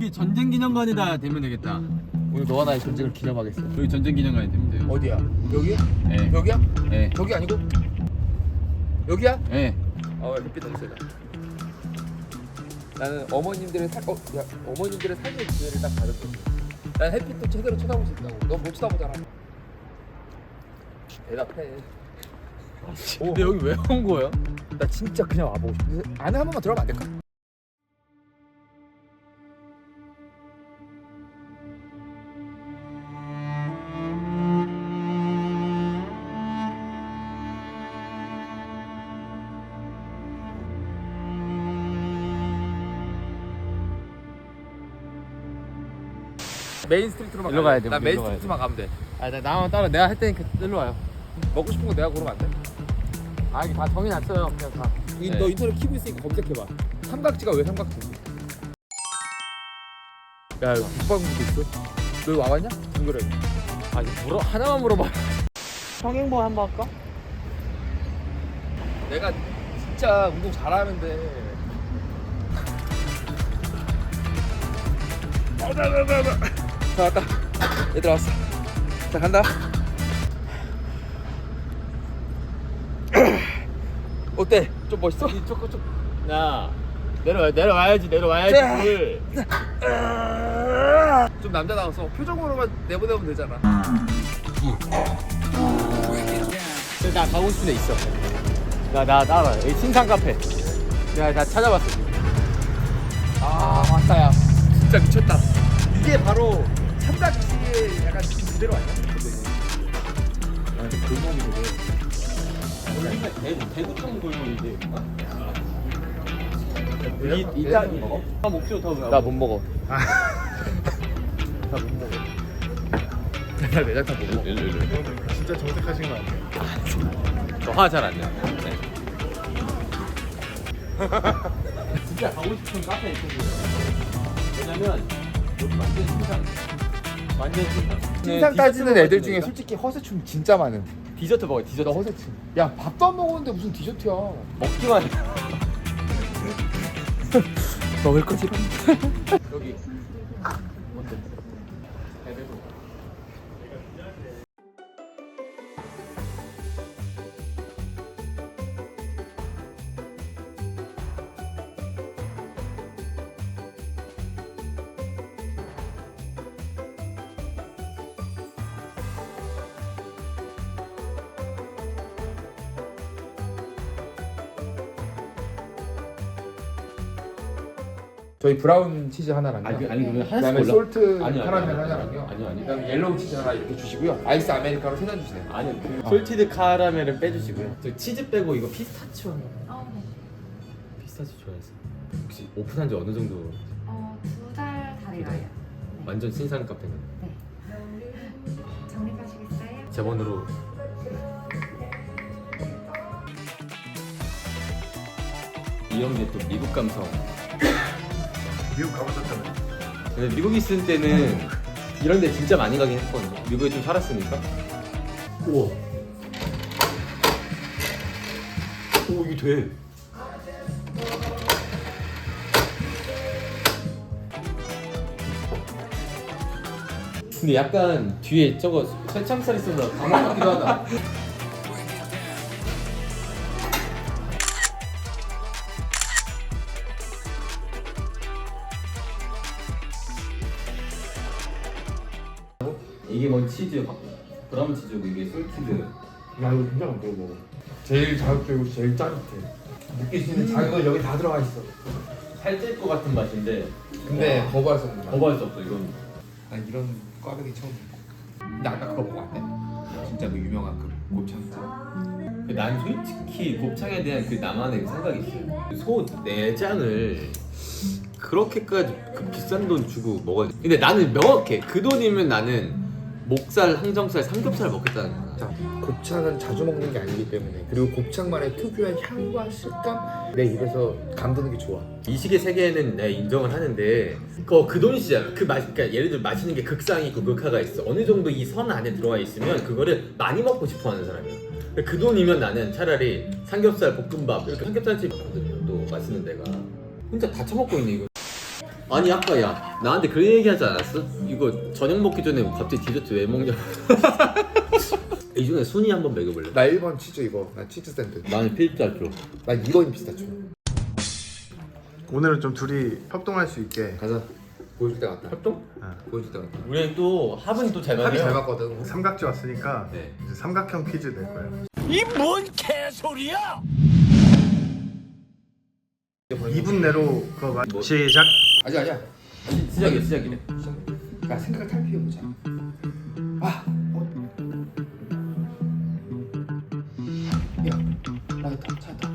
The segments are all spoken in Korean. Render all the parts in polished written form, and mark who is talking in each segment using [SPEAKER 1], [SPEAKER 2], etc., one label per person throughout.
[SPEAKER 1] 여기 전쟁기념관이다 되면 되겠다.
[SPEAKER 2] 오늘 너와 나의 전쟁을 기념하겠어.
[SPEAKER 1] 여기 전쟁기념관이 되면 돼요.
[SPEAKER 2] 어디야? 여기야?
[SPEAKER 1] 예.
[SPEAKER 2] 여기야?
[SPEAKER 1] 예.
[SPEAKER 2] 저기 아니고? 여기야?
[SPEAKER 1] 예.
[SPEAKER 2] 햇빛 너무 세다. 나는 어머님들의 어머님들의 삶의 기회를 딱 받은 거지. 난 햇빛도 제대로 쳐다볼 수 있다고. 너 못 쳐다보잖아. 대답해.
[SPEAKER 1] 근데 여기 왜 온 거야?
[SPEAKER 2] 나 진짜 그냥 와보고 싶어. 안에 한 번만 들어가면 안 될까? 메인 스트리트로만
[SPEAKER 1] 일로 가야 돼,
[SPEAKER 2] 나
[SPEAKER 1] 우리
[SPEAKER 2] 메인
[SPEAKER 1] 일로 가야
[SPEAKER 2] 스트리트만 가면 돼.
[SPEAKER 1] 나만 따라 내가 할 테니까 일로 와요.
[SPEAKER 2] 먹고 싶은 거 내가 고르면 안 돼?
[SPEAKER 1] 이게 다 정해놨어요. 그냥 다. 네.
[SPEAKER 2] 너 인터넷 키고 있으니까 검색해봐. 삼각지가 왜 삼각지인지. 야, 여기 국방부도 있어. 너 여기 와봤냐? 둥그레.
[SPEAKER 1] 이거 하나만 물어봐. 평행보 한번 할까?
[SPEAKER 2] 내가 진짜 운동 잘하는데. 자, 왔다. 얘들 왔어. 자, 간다. 어때? 좀 멋있어?
[SPEAKER 1] 야 내려와야지.
[SPEAKER 2] 자.
[SPEAKER 1] 물.
[SPEAKER 2] 좀 남자다워서 표정으로만 내보내면 되잖아.
[SPEAKER 1] 나 가고 싶은 데 있어. 나 따라. 여기 신상 카페. 내가 다 찾아봤어.
[SPEAKER 2] 왔다, 야. 진짜 미쳤다. 이게 바로 삼각지의 약간 그대로 아니야? 근데 골목이 되게.
[SPEAKER 1] 대구청 골목인데.
[SPEAKER 2] 일단 먹어?
[SPEAKER 1] 목표 더.
[SPEAKER 2] 나 못 먹어. 나 못 먹어. 나 내장탕 못 먹어.
[SPEAKER 3] 진짜 정색하신 거 아니에요?
[SPEAKER 1] 저화 잘 안 내. 네. 진짜 가고 싶은 카페 있거든요. 왜냐면 여기 완전 신상.
[SPEAKER 2] 신상 따지는 애들 중에 솔직히 허세충 진짜 많은.
[SPEAKER 1] 디저트 먹어. 디저트.
[SPEAKER 2] 너 허세충. 야, 밥도 안 먹었는데 무슨 디저트야?
[SPEAKER 1] 먹기만 해.
[SPEAKER 2] 먹을 거지?
[SPEAKER 1] 여기.
[SPEAKER 2] 저희 브라운 치즈 하나랑요.
[SPEAKER 1] 아니 그러면
[SPEAKER 2] 그다음에
[SPEAKER 1] 하나씩
[SPEAKER 2] 솔트
[SPEAKER 1] 아니요,
[SPEAKER 2] 카라멜
[SPEAKER 1] 아니요.
[SPEAKER 2] 하나랑요.
[SPEAKER 1] 아니요.
[SPEAKER 2] 그다음에 옐로우 치즈 하나 이렇게 주시고요. 아이스 아메리카노 3잔 주세요.
[SPEAKER 1] 아니요. 솔티드 카라멜은 빼주시고요. 저 치즈 빼고 이거 피스타치오 하나.
[SPEAKER 4] 네.
[SPEAKER 1] 피스타치오 좋아해서. 혹시 오픈한 지 어느 정도?
[SPEAKER 4] 2달 다 돼가요. 네.
[SPEAKER 1] 완전 신상 카페는.
[SPEAKER 4] 네. 적립하시겠어요?
[SPEAKER 1] 제 번호로. 이런 게 또 미국 감성.
[SPEAKER 3] 미국 가보셨잖아요.
[SPEAKER 1] 근데 미국 있을 때는 이런 데 진짜 많이 가긴 했거든요. 미국에 좀 살았으니까. 우와. 오, 이게 돼. 근데 약간 뒤에 저거 새참살 있어서 감옥 같기도 하다. 이게 뭐 치즈, 브라운 치즈고 이게 솔티드.
[SPEAKER 3] 야 이거 굉장히 안 먹어. 제일 자극적이고 제일 짜릿해. 느낄 수 있는 자극은 여기 다 들어가 있어.
[SPEAKER 1] 살찔 것 같은 맛인데
[SPEAKER 2] 근데 거부할 수 없는 맛.
[SPEAKER 1] 거부할 수 없어 이건.
[SPEAKER 2] 난 이런 꽈배기 처음 먹어. 근데 아까 그거 먹어봤네? 진짜 그 유명한 그 곱창.
[SPEAKER 1] 난 솔직히 곱창에 대한 그 나만의 그 생각이 있어요. 소 내장을 그렇게까지 그 비싼 돈 주고 먹어야 돼. 근데 나는 명확해. 그 돈이면 나는 목살, 항정살, 삼겹살 먹겠다는 거야.
[SPEAKER 2] 자, 곱창은 자주 먹는 게 아니기 때문에 그리고 곱창만의 특유한 향과 식감 내 입에서 감도는 게 좋아.
[SPEAKER 1] 미식의 세계에는 내가 인정을 하는데 그 돈이잖아. 그 맛, 그러니까 예를 들어 맛있는 게 극상이 있고 극하가 있어. 어느 정도 이 선 안에 들어가 있으면 그거를 많이 먹고 싶어하는 사람이야. 그 돈이면 나는 차라리 삼겹살 볶음밥 이렇게 삼겹살집 있거든요. 또 맛있는 데가 혼자 다 처먹고 있네 이거. 아니 아까 야 나한테 그런 얘기 하지 않았어? 이거 저녁 먹기 전에 갑자기 디저트 왜 먹냐? 이 중에 순위 한번 매겨볼래?
[SPEAKER 2] 나 1번 치즈 이거. 나 치즈 샌드.
[SPEAKER 1] 나는 필자죠.
[SPEAKER 2] 나 2번 피스타치오.
[SPEAKER 3] 오늘은 좀 둘이 협동할 수 있게
[SPEAKER 2] 가자. 보여줄 때 같다.
[SPEAKER 1] 활동?
[SPEAKER 2] 보여줄 때 같다.
[SPEAKER 1] 우리 또 합은 또 잘
[SPEAKER 2] 합이 잘
[SPEAKER 1] 맞아요.
[SPEAKER 2] 맞거든.
[SPEAKER 3] 삼각지 왔으니까
[SPEAKER 1] 네.
[SPEAKER 3] 이제 삼각형 퀴즈 낼 거예요. 2분 내로 그거
[SPEAKER 1] 뭐?
[SPEAKER 3] 시작.
[SPEAKER 2] 아니야.
[SPEAKER 1] 시작이야 시작이네.
[SPEAKER 2] 야 생각을 탈피해보자. 야 나있다 찾았다.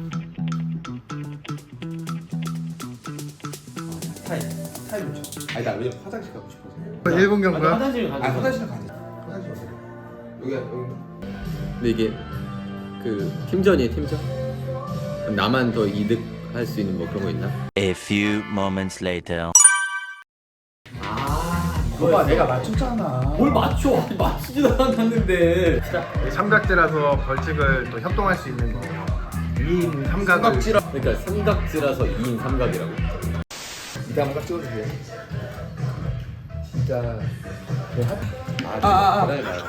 [SPEAKER 2] 타임 쳐. 아니 나 왜냐면 화장실 가고 싶어서.
[SPEAKER 3] 1분 경고야.
[SPEAKER 1] 화장실 가자.
[SPEAKER 2] 화장실 가자. 화장실 가자. 여기.
[SPEAKER 1] 근데 이게 그 팀전이에요 팀전? 나만 더 이득할 수 있는 뭐 그런 거 있나?
[SPEAKER 5] A few moments later.
[SPEAKER 2] 봐봐 내가 맞췄잖아.
[SPEAKER 1] 뭘 맞춰? 맞추지도 않았는데.
[SPEAKER 3] 삼각지라서 벌칙을 또 협동할 수 있는 거. 2인 삼각을.
[SPEAKER 1] 그러니까 삼각지라서 2인 삼각이라고.
[SPEAKER 2] 이따 한번 딱 찍어줄게. 진짜.
[SPEAKER 1] 그래 봐요.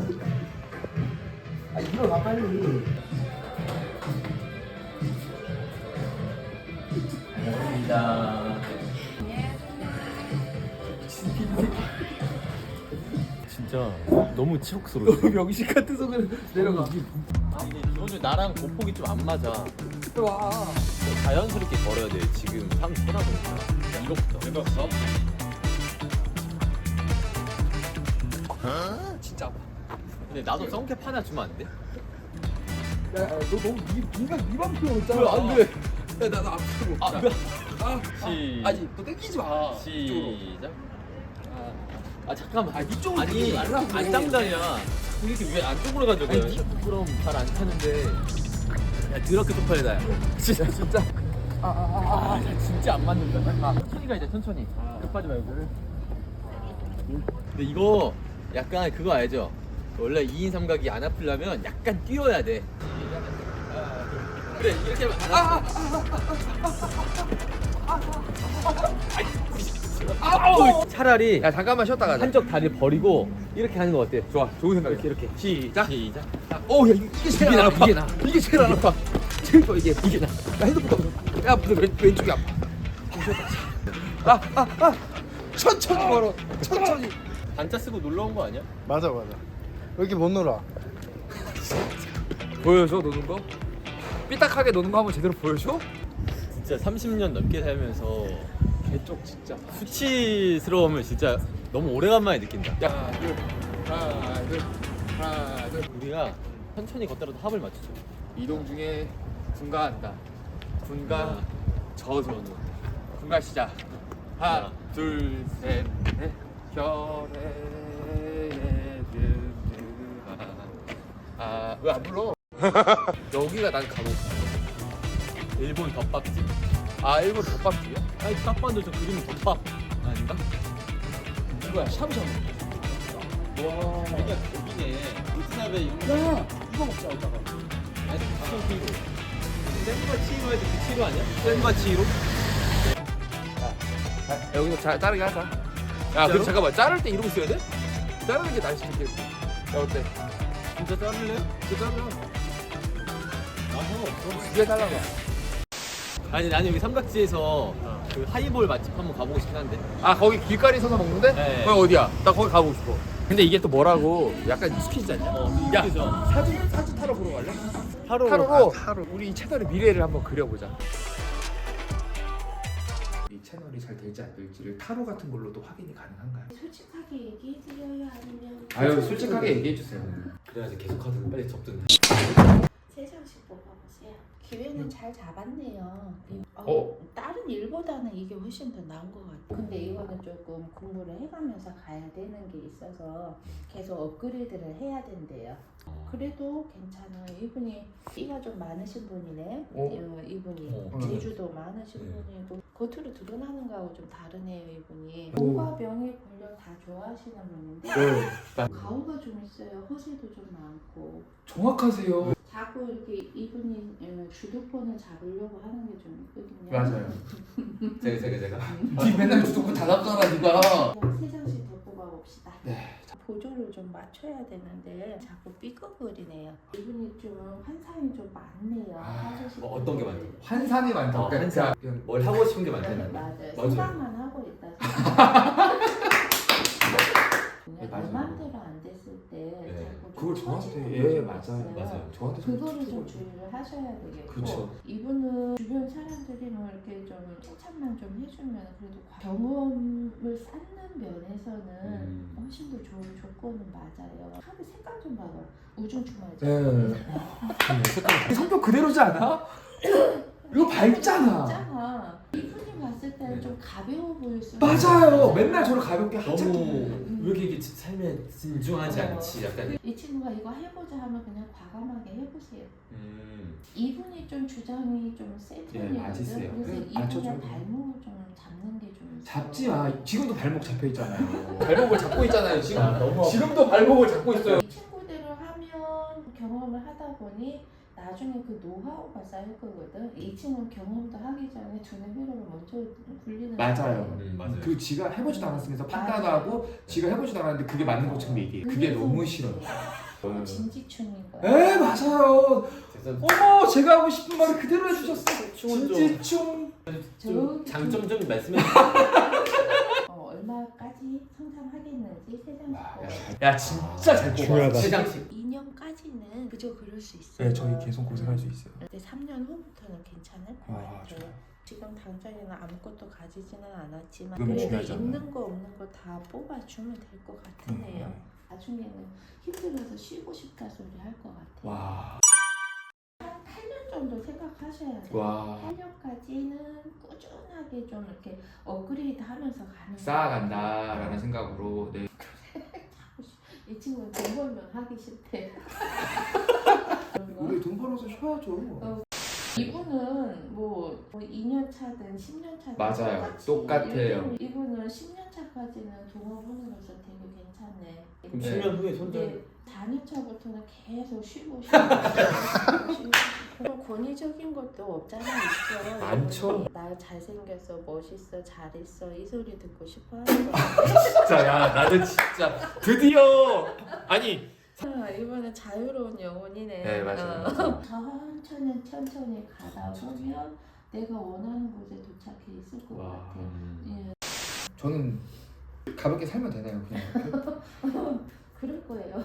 [SPEAKER 2] 일어나 빨리.
[SPEAKER 1] 감사합니다. 진짜 너무 치욕스러워.
[SPEAKER 2] 명식 같은 소리 내려가.
[SPEAKER 1] 아니 기본적으로 나랑 보폭이 좀 안 맞아. 와. 자연스럽게 걸어야 돼. 지금 사람 쳐다보니까. 이거부터. 이거부터.
[SPEAKER 2] 진짜 아파.
[SPEAKER 1] 근데 나도 썬캡 하나 주면 안 돼?
[SPEAKER 2] 야, 너 너무 니만 피웠잖아.
[SPEAKER 1] 왜, 안 돼?
[SPEAKER 2] 야, 나 앞으로.
[SPEAKER 1] 시.
[SPEAKER 2] 아니, 너 땡기지 마.
[SPEAKER 1] 시작. 잠깐만.
[SPEAKER 2] 이쪽으로
[SPEAKER 1] 아니,
[SPEAKER 2] 땡기지 말라고.
[SPEAKER 1] 안 짱다냐. 이렇게 왜 안쪽으로 가져가요? 그럼 잘 안 타는데. 야, 더럽게 쪽팔리다. 야. 진짜. 진짜 안 맞는다. 천천히 가 이제 천천히. 급하지 말고. 근데 이거 약간 그거 알죠? 원래 2인 삼각이 안 아프려면 약간 뛰어야 돼. 그래 이렇게 하면 차라리
[SPEAKER 2] 야, 잠깐만 쉬었다 가자.
[SPEAKER 1] 한쪽 다리 버리고 이렇게 하는 거 어때?
[SPEAKER 2] 좋아, 좋은 생각이야.
[SPEAKER 1] 이렇게 시작. 시작.
[SPEAKER 2] 야, 이게 제일 안 아파.
[SPEAKER 1] 이게 나.
[SPEAKER 2] 이게 제일 안 아파. 제일 좋아, 이게 나. 야, 핸드폰 야, 무슨 왼쪽이 아파. 천천히 걸어. 천천히.
[SPEAKER 1] 단자 쓰고 놀러 온 거 아니야?
[SPEAKER 3] 맞아. 왜 이렇게 못 놀아?
[SPEAKER 2] 보여줘 노는 거? 삐딱하게 노는 거 한번 제대로 보여줘?
[SPEAKER 1] 진짜 30년 넘게 살면서
[SPEAKER 2] 개쪽 진짜.
[SPEAKER 1] 수치스러움을 진짜 너무 오래간만에 느낀다.
[SPEAKER 2] 야, 하나, 둘.
[SPEAKER 1] 우리가 천천히 걷더라도 합을 맞추죠.
[SPEAKER 2] 이동 중에 분가한다. 분가 저선우. 분가 시작. 하나, 둘, 셋, 넷. 별에 왜 안 불러? 여기가 난 가고 싶어.
[SPEAKER 1] 일본 덮밥집.
[SPEAKER 2] 일본 덮밥집이야?
[SPEAKER 1] 아니 덮밥도 저 그림은 덮밥 아닌가?
[SPEAKER 2] 이거야 샤브샤브. 와.
[SPEAKER 1] 여기가 여기네. 우츠나베 이런 거.
[SPEAKER 2] 야, 이거 먹자 이따가.
[SPEAKER 1] 아니 무슨 치로? 센과 치로 해도 그 치로 아니야? 센과 치로?
[SPEAKER 2] 여기서 자르게 하자. 야, 근데 잠깐만 자를 때 이러고 있어야 돼? 자르는 게 날씨 좋게. 야, 어때?
[SPEAKER 1] 진짜 자를래요?
[SPEAKER 2] 진짜 자르.
[SPEAKER 1] 나 상관없어.
[SPEAKER 2] 이게 달라가.
[SPEAKER 1] 아니 나는 여기 삼각지에서 그 하이볼 맛집 한번 가보고 싶긴 한데.
[SPEAKER 2] 거기 길거리 서서 먹는데?
[SPEAKER 1] 네.
[SPEAKER 2] 거기 어디야? 나 거기 가보고 싶어. 근데 이게 또 뭐라고? 약간 익숙해지지 않냐? 야,
[SPEAKER 1] 익숙해져.
[SPEAKER 2] 사진 타러 보러 갈래?
[SPEAKER 1] 타로로.
[SPEAKER 2] 타로. 우리 이 채널의 미래를 한번 그려보자. 이 채널이 잘 될지 안 될지를 타로 같은 걸로도 확인이 가능한가요?
[SPEAKER 6] 솔직하게 얘기해 드려요 아니면
[SPEAKER 2] 아유, 솔직하게 얘기해 주세요.
[SPEAKER 1] 그래야지 계속 하든 빨리 접든.
[SPEAKER 6] 세 장씩 뽑아보세요. 기회는 잘 잡았네요. 다른 일보다는 이게 훨씬 더 나은 것 같아요. 근데 이거는 조금 공부를 해가면서 가야 되는 게 있어서 계속 업그레이드를 해야 된대요. 그래도 괜찮아요. 이분이 띠가 좀 많으신 분이네. 이분이 재주도 많으신 분이고 겉으로 드러나는 거하고 좀 다르네요. 이분이 몸과 병이 권력 다 좋아하시는 분인데 가오가 좀 있어요. 허세도 좀 많고
[SPEAKER 2] 정확하세요.
[SPEAKER 6] 자꾸 이렇게 이분이 주도권을 잡으려고 하는 게 좀 있거든요.
[SPEAKER 2] 맞아요.
[SPEAKER 1] 제가
[SPEAKER 2] 니 맨날 주도권 다 잡잖아 니가.
[SPEAKER 6] 세 장씩 더 뽑아봅시다.
[SPEAKER 2] 네.
[SPEAKER 6] 보조를 좀 맞춰야 되는데 자꾸 삐걱거리네요. 이분이 좀 환상이 좀 많네요. 하고 싶은
[SPEAKER 1] 뭐 어떤 게
[SPEAKER 6] 것들이.
[SPEAKER 1] 많죠?
[SPEAKER 2] 환상이 많다.
[SPEAKER 1] 어,
[SPEAKER 2] 그러니까
[SPEAKER 1] 환상.
[SPEAKER 2] 그냥
[SPEAKER 1] 뭘 하고 싶은 게 많잖아.
[SPEAKER 6] 맞아요.
[SPEAKER 1] 맞아요.
[SPEAKER 6] 생각만 하고 있다.
[SPEAKER 2] 네, 맞아요.
[SPEAKER 6] 내 맘대로 안 됐을 때 자꾸
[SPEAKER 2] 그걸
[SPEAKER 6] 좀
[SPEAKER 2] 저한테
[SPEAKER 6] 터지는
[SPEAKER 2] 예
[SPEAKER 6] 게
[SPEAKER 2] 맞아요.
[SPEAKER 6] 있어요.
[SPEAKER 1] 맞아요.
[SPEAKER 2] 저한테
[SPEAKER 6] 그거를 좀
[SPEAKER 2] 툭툭
[SPEAKER 6] 주의를 하셔야 되겠고
[SPEAKER 2] 그렇죠.
[SPEAKER 6] 이분은 주변 사람들이 뭐 이렇게 좀 칭찬만 좀 해주면 그래도 경험을 쌓는 면에서는 훨씬 더 좋은 조건은 맞아요. 카드 색깔 좀 봐봐. 우중충하죠.
[SPEAKER 2] 네. 성격 그대로지 않아? 이거 밝잖아.
[SPEAKER 6] 있잖아. 이분이 봤을 때는
[SPEAKER 1] 네.
[SPEAKER 6] 좀 가벼워 보일 수
[SPEAKER 2] 맞아요. 맨날 저를 가볍게
[SPEAKER 1] 너무
[SPEAKER 2] 하찮게.
[SPEAKER 1] 왜 이렇게 삶에 진중하지 않지? 약간.
[SPEAKER 6] 이 친구가 이거 해보자 하면 그냥 과감하게 해보세요. 이분이 좀 주장이 좀 세
[SPEAKER 2] 예,
[SPEAKER 6] 편이거든.
[SPEAKER 2] 맞으세요.
[SPEAKER 6] 그래서
[SPEAKER 2] 네,
[SPEAKER 6] 이분의
[SPEAKER 2] 맞춰줘요.
[SPEAKER 6] 발목을 좀 잡는 게 좀
[SPEAKER 2] 잡지 마. 지금도 발목 잡혀 있잖아요. 발목을 잡고 있잖아요. 지금.
[SPEAKER 1] 너무
[SPEAKER 2] 지금도 발목을 잡고 있어요.
[SPEAKER 6] 이 친구대로 하면 경험을 하다 보니 나중에 그 노하우가 쌓일 거거든. 이 친구는 경험도 하기 전에 두뇌 회로를 먼저 굴리는
[SPEAKER 2] 맞아요.
[SPEAKER 6] 거예요.
[SPEAKER 1] 맞아요.
[SPEAKER 2] 그 지가 해보지도 않았으면서 판단하고 지가 해보지도 않았는데 그게 맞는 것처럼 얘기해. 그게 너무 싫어요.
[SPEAKER 6] 진지충인 거야.
[SPEAKER 2] 에 맞아요.
[SPEAKER 1] 그래서
[SPEAKER 2] 어머 제가 하고 싶은 말을 그대로 해주셨어.
[SPEAKER 1] 춤은 좀-
[SPEAKER 2] 진지충.
[SPEAKER 1] 좀 장점 좀 말씀해
[SPEAKER 6] 얼마까지 성장하겠는지 세상식
[SPEAKER 2] 야 진짜 잘 뽑아.
[SPEAKER 1] 세 장씩.
[SPEAKER 6] 2년까지는 그저 그럴 수 있어요.
[SPEAKER 2] 네 저희 계속 고생할 수 있어요.
[SPEAKER 6] 근데 3년 후부터는 괜찮을 것
[SPEAKER 2] 와,
[SPEAKER 6] 같아요.
[SPEAKER 2] 좋아요.
[SPEAKER 6] 지금 당장에는 아무것도 가지지는 않았지만
[SPEAKER 2] 그건
[SPEAKER 6] 그래도
[SPEAKER 2] 중요하지 않나요?
[SPEAKER 6] 있는 거 없는 거 다 뽑아주면 될 것 같으네요. 나중에는 힘들어서 쉬고 싶다 소리 할 것 같아요.
[SPEAKER 2] 와.
[SPEAKER 6] 한 8년 정도 생각하셔야 돼요.
[SPEAKER 2] 와.
[SPEAKER 6] 8년까지는 꾸준하게 좀 이렇게 업그레이드 하면서 가는
[SPEAKER 2] 쌓아간다라는 생각으로 네.
[SPEAKER 6] 이 친구는 돈 벌면 하기 싫대.
[SPEAKER 2] 우리 돈 벌어서 쉬어야죠.
[SPEAKER 6] 이분은 뭐 2년 차든 10년 차든
[SPEAKER 2] 맞아요.
[SPEAKER 6] 똑같이
[SPEAKER 2] 똑같아요.
[SPEAKER 6] 이분은 10년 차까지는 동업원으로서 되게 괜찮네.
[SPEAKER 1] 그럼
[SPEAKER 6] 근데
[SPEAKER 1] 10년 후에 손절.
[SPEAKER 6] 이제 4년 차부터는 계속 쉬고 쉬고 그런 권위적인 것도 없잖아 있어.
[SPEAKER 2] 많죠.
[SPEAKER 6] 이분이 나 잘생겼어, 멋있어, 잘했어 이 소리 듣고 싶어 하는 거.
[SPEAKER 2] 진짜 야 나도 진짜 드디어 아니
[SPEAKER 6] 이번엔 자유로운 영혼이네.
[SPEAKER 2] 네, 맞아요.
[SPEAKER 6] 천천히 가다 보면 내가 원하는 곳에 도착해 있을 것
[SPEAKER 2] 와.
[SPEAKER 6] 같아. 예,
[SPEAKER 2] 저는 가볍게 살면 되나요 그냥?
[SPEAKER 6] 그럴 거예요.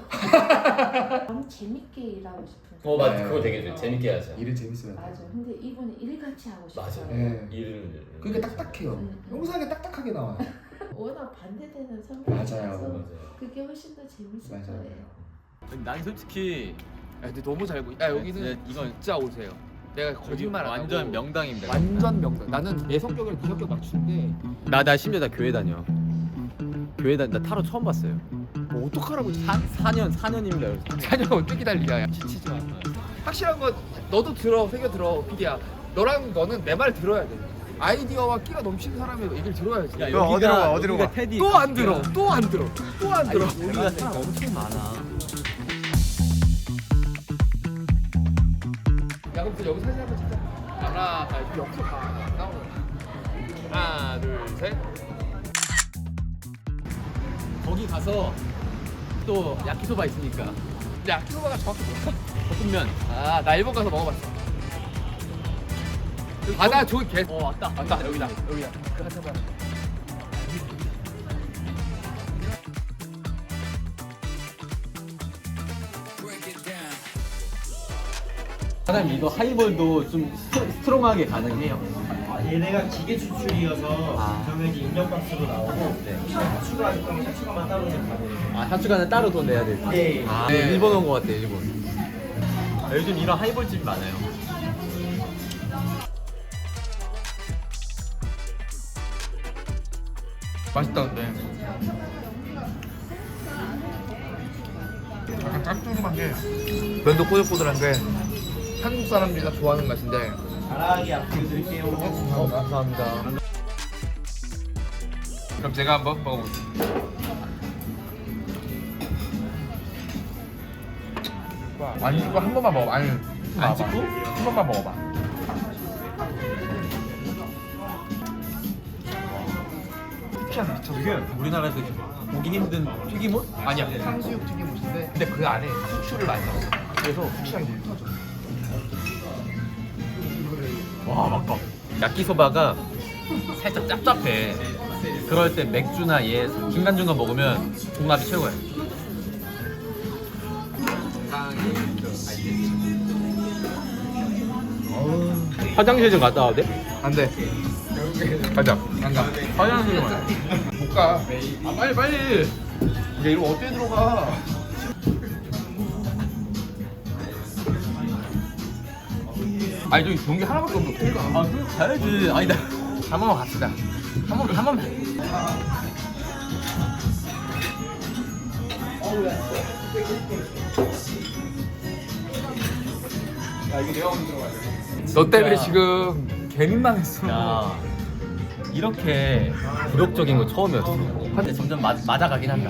[SPEAKER 6] 너무 재밌게 일하고 싶은.
[SPEAKER 1] 맞아.
[SPEAKER 2] 네.
[SPEAKER 1] 그거 되게 재밌게 하자.
[SPEAKER 2] 일은 재밌어야
[SPEAKER 6] 맞아.
[SPEAKER 2] 돼요.
[SPEAKER 6] 근데 이분은 일같이 하고 싶어요.
[SPEAKER 1] 맞아.
[SPEAKER 2] 네.
[SPEAKER 1] 일을.
[SPEAKER 2] 그러니까 딱딱해요. 영상에 딱딱하게 나와요.
[SPEAKER 6] 워낙 반대되는 성격이라서
[SPEAKER 2] 맞아요.
[SPEAKER 6] 그게 훨씬 더 재밌을
[SPEAKER 2] 맞아요.
[SPEAKER 6] 거예요.
[SPEAKER 1] 난 솔직히
[SPEAKER 7] 야, 근데 너무 잘 보이. 야 여기는
[SPEAKER 1] 네, 이건
[SPEAKER 7] 진짜 오세요. 내가 거짓말 안
[SPEAKER 1] 완전
[SPEAKER 7] 하고
[SPEAKER 1] 명당입니다.
[SPEAKER 7] 완전 명당. 나는 내 성격을 네 성격 맞추는데
[SPEAKER 1] 나 심지어 나 교회 다녀. 나 타로 처음 봤어요.
[SPEAKER 7] 뭐 어떡하라고
[SPEAKER 1] 4년입니다.
[SPEAKER 7] 4년 어떻게 기다리냐. 야, 지치지 마. 확실한 건 너도 들어, 새겨 들어, 피디야. 너는 내 말 들어야 돼. 아이디어와 끼가 넘치는 사람의 얘기를 들어야지.
[SPEAKER 1] 야,
[SPEAKER 3] 너 어디로 가, 어디로 가?
[SPEAKER 1] 테디.
[SPEAKER 7] 또 안 들어, 또 안 들어, 또 안 들어.
[SPEAKER 1] 여기가 사람 엄청 많아.
[SPEAKER 7] 야 그럼 또 여기 사진 한번 찍자. 하나, 여기서 봐. 나오는. 하나, 둘, 셋.
[SPEAKER 1] 거기 가서 또 야키소바 있으니까
[SPEAKER 7] 야, 키로바가 정확히 뭐야?
[SPEAKER 1] 볶음면.
[SPEAKER 7] 아, 나 일본 가서 먹어봤어. 바다 저기 개.
[SPEAKER 1] 왔다.
[SPEAKER 7] 맞다, 여기다. 그 한참 봐.
[SPEAKER 1] 사장님 이거 하이볼도 좀 스트롱하게 가능해요.
[SPEAKER 8] 얘네가 기계 추출이어서 당연히 인력값으로 나오고 샤추가 있다면 샤추가만 따로 내면
[SPEAKER 1] 샤츠가는 따로 돈 내야 돼.
[SPEAKER 8] 네.
[SPEAKER 1] 일본 온 거 같아 일본. 요즘 이런 하이볼 집이 많아요.
[SPEAKER 7] 맛있다 근데. 약간 짭조름한 게 면도 꼬들꼬들한 게 한국 사람들이 다 좋아하는 맛인데.
[SPEAKER 8] 잘하게 앞으로 드릴게요.
[SPEAKER 1] 감사합니다.
[SPEAKER 7] 그럼 제가 한번 먹어볼게요. 찍어봐. 안 찍고 한 번만 먹어봐. 아니
[SPEAKER 1] 안 찍고?
[SPEAKER 7] 한 번만 먹어봐.
[SPEAKER 1] 저게 우리나라에서 보기 힘든 튀김옷?
[SPEAKER 7] 아니야 탕수육 튀김옷인데 근데 그 안에 후추를 많이 넣었어. 그래서 후추향이 되게 터져.
[SPEAKER 1] 와 막까. 야끼소바가 살짝 짭짭해. 그럴 때 맥주나 얘 중간중간 먹으면 궁합이 최고야. 화장실 좀 갔다 와도 돼?
[SPEAKER 7] 안 돼. 가자. 안 가. 화장실 좀 가자. 못 가. 아 빨리 빨리. 야 이거 어떻게 들어가? 아니 저기 경기 하나밖에 없는데 어떻게 가?
[SPEAKER 1] 아 그럼 가야지. 아니 나한 번만 갑시다. 한 번만.
[SPEAKER 7] 너 때문에 지금 개민망했어.
[SPEAKER 1] 야 이렇게 굴욕적인 거 처음이었어. 근데 점점 맞아가긴 한다.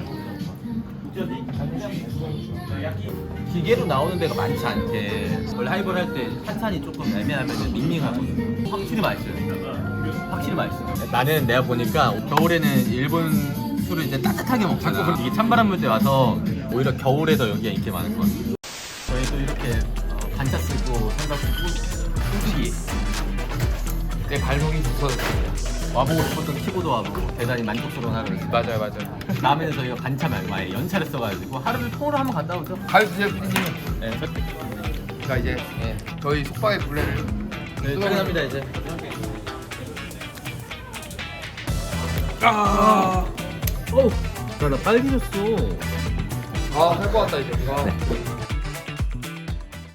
[SPEAKER 1] 기계로 나오는 데가 많지 않대. 원래 하이볼 할 때 탄산이 조금 애매하면 밍밍하거든. 확실히 맛있어요. 확실히 맛있어. 나는 내가 보니까 겨울에는 일본 술을 이제 따뜻하게 먹잖아. 이게 찬바람 불 때 와서 오히려 겨울에 더 여기가 인기 많을 것 같아. 저희도 이렇게 반차 쓰고 삼각 쓰고 숨쉬기.
[SPEAKER 7] 내 발목이 부서졌습니다.
[SPEAKER 1] 와보고 싶었던 키보드 와보고 대단히 만족스러운 하루를.
[SPEAKER 7] 맞아요 맞아요.
[SPEAKER 1] 다음에는 저희가 반차 말고 아예 연차를 써가지고 하루를 통으로 한번 갔다 오죠.
[SPEAKER 7] 가주세요 피디님.
[SPEAKER 1] 네,
[SPEAKER 7] 자 이제 저희 속박의 굴레를
[SPEAKER 1] 네, 퇴근합니다 이제.
[SPEAKER 7] 아,
[SPEAKER 1] 나 빨개졌어.
[SPEAKER 7] 할 것 같다 이제.